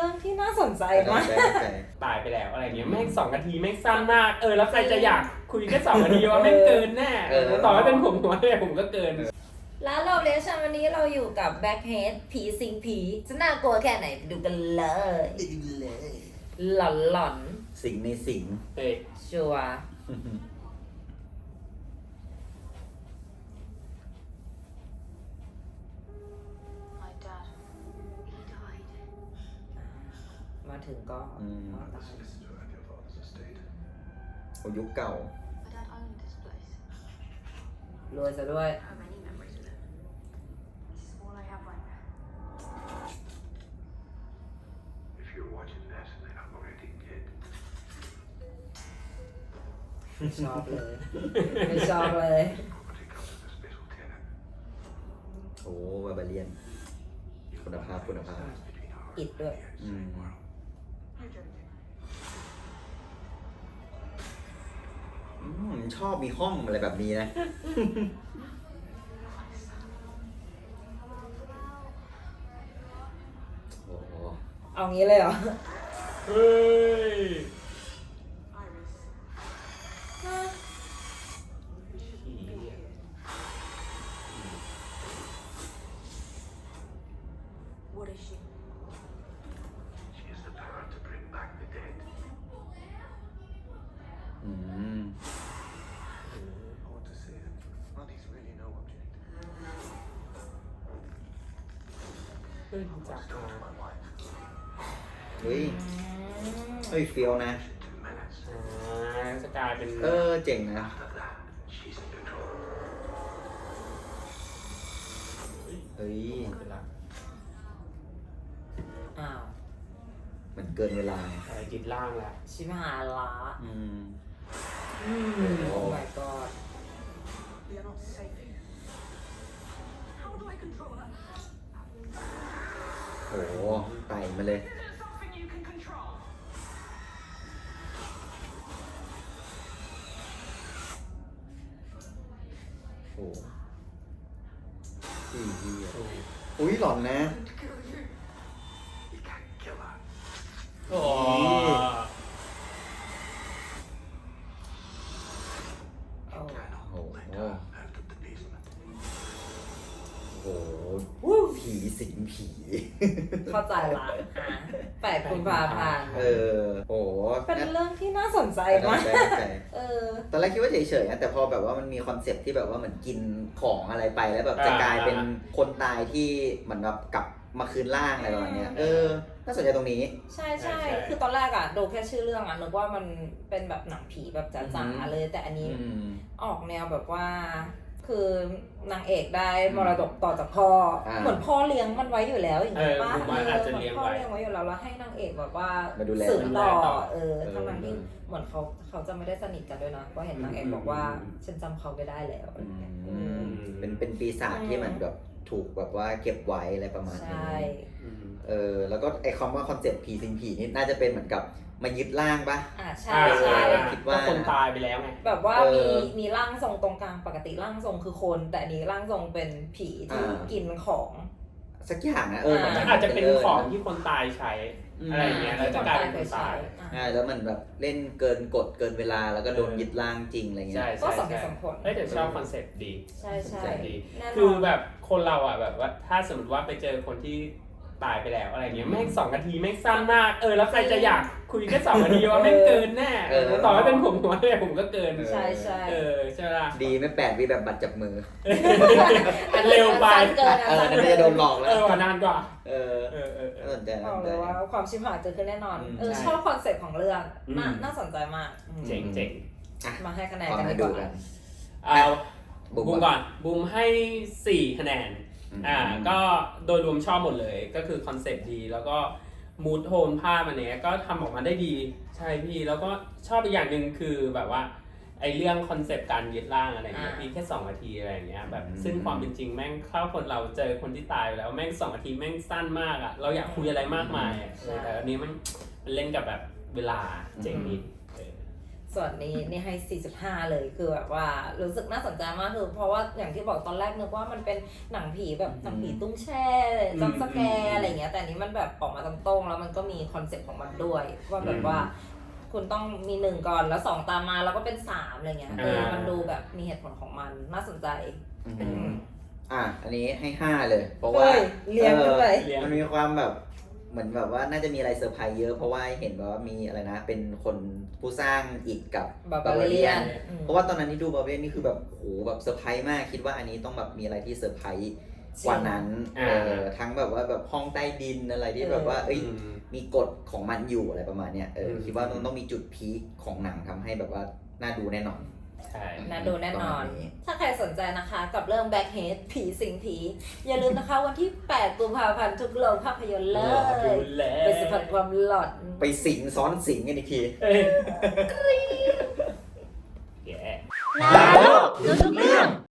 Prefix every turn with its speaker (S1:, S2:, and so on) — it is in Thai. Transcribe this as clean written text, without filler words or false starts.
S1: รื่องที่น่าสนใจมาก
S2: ตายไปแล้วอะไรเงี้ยแม่ง2 นาทีแม่งสั้นมากแล้วใครจะอยากคุยแค่2 นาทีว่าแม่งเกินแน่ต่อให้เป็นผมผมก็เกิน
S1: แล้วเราเลชั่นวันนี้เราอยู่กับแบ็คเฮดผีสิงผีจะน่ากลัวแค่ไหนไปดูกันเลยหลอน
S3: สิงในสิง
S1: ชัวมาถึงก็
S3: โอ้ยุคเก่าร
S1: วยซะด้วยชอบเลยไม่ชอบเลย
S3: โอ้บาบาเลียนคุณภาพ
S1: อิดด้วย
S3: ชอบมีห้องอะไรแบบนี้นะโอ้
S1: เอางี้เลยเหรอ
S2: เฮ้ย
S3: เฮ้ยเฟียวนะ
S2: จะกลายเป็น
S3: เจ๋งนะเฮ้ย
S1: อ้าว
S3: เหมือนเกินเวลา
S2: จิตล่างแล้ว
S1: ชิมหาละโอ้ my god
S3: โอ้ไต่มาเลยโอ้อุ้ยหลอนนะ
S2: โอ้
S3: ผีสิงผี
S1: เข้าใจละ8 กุมภาพันธ์
S3: โอ้
S1: เป็นเรื่องที่น่าสนใจมาก
S3: ตอนแรกคิดว่าเฉยๆนะแต่พอแบบว่ามันมีคอนเซ็ปต์ที่แบบว่าเหมือนกินของอะไรไปแล้วแบบจะกลายเป็นคนตายที่เหมือนแบบกลับมาคืนร่างอะไรประมาณนี้น่าสนใจตรงนี้
S1: ใช่คือตอนแรกอะดูแค่ชื่อเรื่องอะนึกว่ามันเป็นแบบหนังผีแบบจ๋าๆเลยแต่อันนี้ออกแนวแบบว่าคือนางเอกได้มรดกต่อจากพ่อเหมือนพ่อเลี้ยงมันไว้อยู่แล้วอย่างนี้ป่ะ
S2: พ่อเลี้ยง
S1: ไว้อยู่แล้วแล้วให้นางเอกแบบว่าสืบต่อทั้งนั้นที่เหมือนเขาจะไม่ได้สนิทกันด้วยนะก็เห็นนางเอกบอกว่าฉันจำเขาไม่ได้แล้ว
S3: เป็นปีศาจที่มันแบบถูกแบบว่าเก็บไว้อะไรประมาณนี้แล้วก็ไอคำว่าคอนเซ็ปต์ผีสิงผีนี่น่าจะเป็นเหมือนกับมายึดร่างปะ
S1: ใช่
S3: คิดว่า
S2: คนตายไปแล้วไง
S1: แบบว่ามีร่างทรงตรงกลางปกติร่างทรงคือคนแต่นี้ร่างทรงเป็นผีที่กินของ
S3: สักอย่างนะ
S2: อาจจะเป็นของที่คนตายใช้อะไรเงี้ยแล้วจะกลายเป็นคนตาย
S3: แล้วมันแบบเล่นเกินกฎเกินเวลาแล้วก็โดนยึดร่างจริงอะไรเงี้ย
S1: ก็สมเหตุสมผล
S2: แต่ชอบคอนเซ็ปต์ดี
S1: ใช่
S2: ดีคือแบบคนเราอ่ะแบบว่าถ้าสมมติว่าไปเจอคนที่ตายไปแล้วอะไรเงี้ยแม่ง2 นาทีแม่งสั้นมากแล้วใครจะอยากคุยแค่2 นาทีว่าแม่งเกินแน่ต่อให้เป็นผมก็เกิน
S1: ใช่
S2: ใช่ไหม
S3: ดีไม่8 วิแบบบัตรจับมือ
S2: เร็วไป
S3: นั่นจะโดนหลอกแล้ว
S2: นานกว่า
S3: สนใจ
S1: บอกเลยว่าความชิบหายเกิดขึ้นแน่นอนชอบคอนเซ็ปต์ของเรื่องน่าสนใจมาก
S2: เจ๋ง
S1: มาให้คะแนนกันดีกว่า
S2: เอาบูมก่อนบูมให้4 คะแนนก็โดยรวมชอบหมดเลยก็คือคอนเซ็ปต์ดีแล้วก็มูดโทนภาพอันเนี้ยก็ทำออกมาได้ดีใช่พี่แล้วก็ชอบอีกอย่างหนึ่งคือแบบว่าไอเรื่องคอนเซ็ปต์การยึดร่างอะไรเงี้ยพี่แค่2 นาทีอะไรเงี้ยแบบซึ่งความเป็นจริงแม่งเข้าคนเราเจอคนที่ตายแล้วแม่ง2 นาทีแม่งสั้นมากอ่ะเราอยากคุยอะไรมากมายแต่อันนี้มันเล่นกับแบบเวลาเจ๋งดี
S1: ส่วนนี้นี่ให้ 4.5 เลยคือแบบว่ารู้สึกน่าสนใจมากคือเพราะว่าอย่างที่บอกตอนแรกนึกว่ามันเป็นหนังผีแบบหนังผีตุ้งแช่จัมป์สแกร์อะไรเงี้ยแต่อันนี้มันแบบออกมาตรงๆแล้วมันก็มีคอนเซ็ปต์ของมันด้วยว่าแบบว่าคุณต้องมี1ก่อนแล้ว2ตามมาแล้วก็เป็น3อะไรเงี้ยมันดูแบบมีเหตุผลของมันน่าสนใจ
S3: อันนี้ให้ 5 เลย เพราะว่า
S1: เรียงกันไป
S3: มันมีความแบบเหมือนแบบว่าน่าจะมีอะไรเซอร์ไพรส์เยอะเพราะว่าเห็นแบบว่ามีอะไรนะเป็นคนผู้สร้างอิฐกับบาบาเลียนเพราะว่าตอนนั้นที่ดูบาบาเลียนนี่คือแบบโหแบบเซอร์ไพรส์มากคิดว่าอันนี้ต้องแบบมีอะไรที่เซอร์ไพรส์กว่านั้นทั้งแบบว่าแบบห้องใต้ดินอะไรที่แบบว่ามีกฎของมันอยู่อะไรประมาณเนี้ยคิดว่าต้องมีจุดพีคของหนังทำให้แบบว่าน่าดูแน่นอน
S1: น่าดูแน่นอน ถ้าใครสนใจนะคะกับเรื่อง Blackhead ผีสิงผี อย่าลืมนะคะวันที่ 8 กุมภาพันธ์ทุกโรงภาพยนตร์เลยไปสัมผัสความหลอน
S3: ไปสิงซ้อนสิงกันอีกที
S2: แย่
S4: นาโลกรู้ทุกเรื่อง